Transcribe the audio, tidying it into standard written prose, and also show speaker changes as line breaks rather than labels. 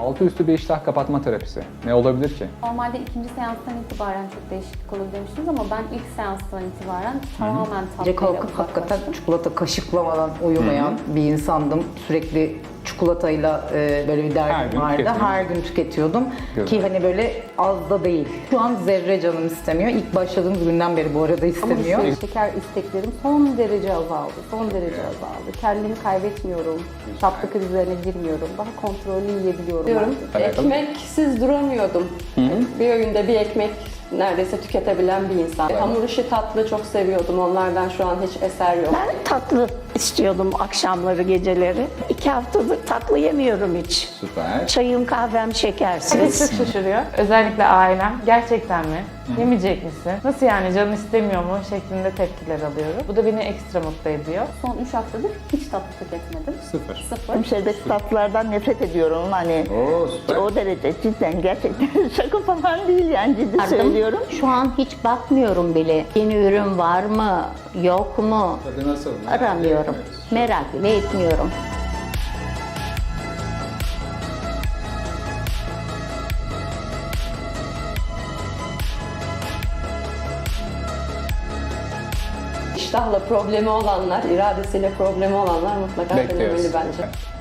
Altı üstü bir iştah kapatma terapisi. Ne olabilir ki?
Normalde ikinci seanstan itibaren çok değişiklik olur demiştiniz ama ben ilk seanstan itibaren tamamen
Gece
tatlıyla
kalkıp hakikaten
uzaklaştım.
çikolata kaşıklamadan uyumayan bir insandım. Sürekli çikolatayla böyle bir
Her
derdim
gün
vardı.
tüketiyordun.
Her gün tüketiyordum.
Güzel.
Ki hani böyle az da değil. Şu an zerre canım istemiyor. İlk başladığımız günden beri bu arada
Ama
istemiyor.
şeker isteklerim son derece azaldı. Son derece azaldı. Kendimi kaybetmiyorum. Tatlı krizlerine girmiyorum. Daha kontrollü yiyebiliyorum.
Diyorum.
Evet.
Ekmeksiz duramıyordum. Bir öğünde bir ekmek neredeyse tüketebilen bir insan. Hamur işi tatlı çok seviyordum. Onlardan şu an hiç eser yok.
Ben tatlı istiyordum akşamları, geceleri. 2 haftadır tatlı yemiyorum hiç.
Süper.
Çayım, kahvem
Herkes
şekersiz.
çok şaşırıyor. Özellikle ailem. Gerçekten mi? Yemeyecek misin? Nasıl yani, canın istemiyor mu? Şeklinde tepkiler alıyorum. Bu da beni ekstra mutlu ediyor.
Son 3 haftadır hiç tatlı tüketmedim.
Sıfır.
Sıfır.
Şerbetli tatlılardan nefret ediyorum. Hani
Oo süper.
o derece cidden gerçekten şaka falan değil yani, ciddi söylüyorum.
Şu an hiç bakmıyorum bile. Yeni ürün var mı, yok mu?
Tadı nasıl?
Aramıyorum. Merak bile etmiyorum.
İştahla problemi olanlar, iradesiyle problemi olanlar mutlaka
Bekliyoruz.
denemeli bence.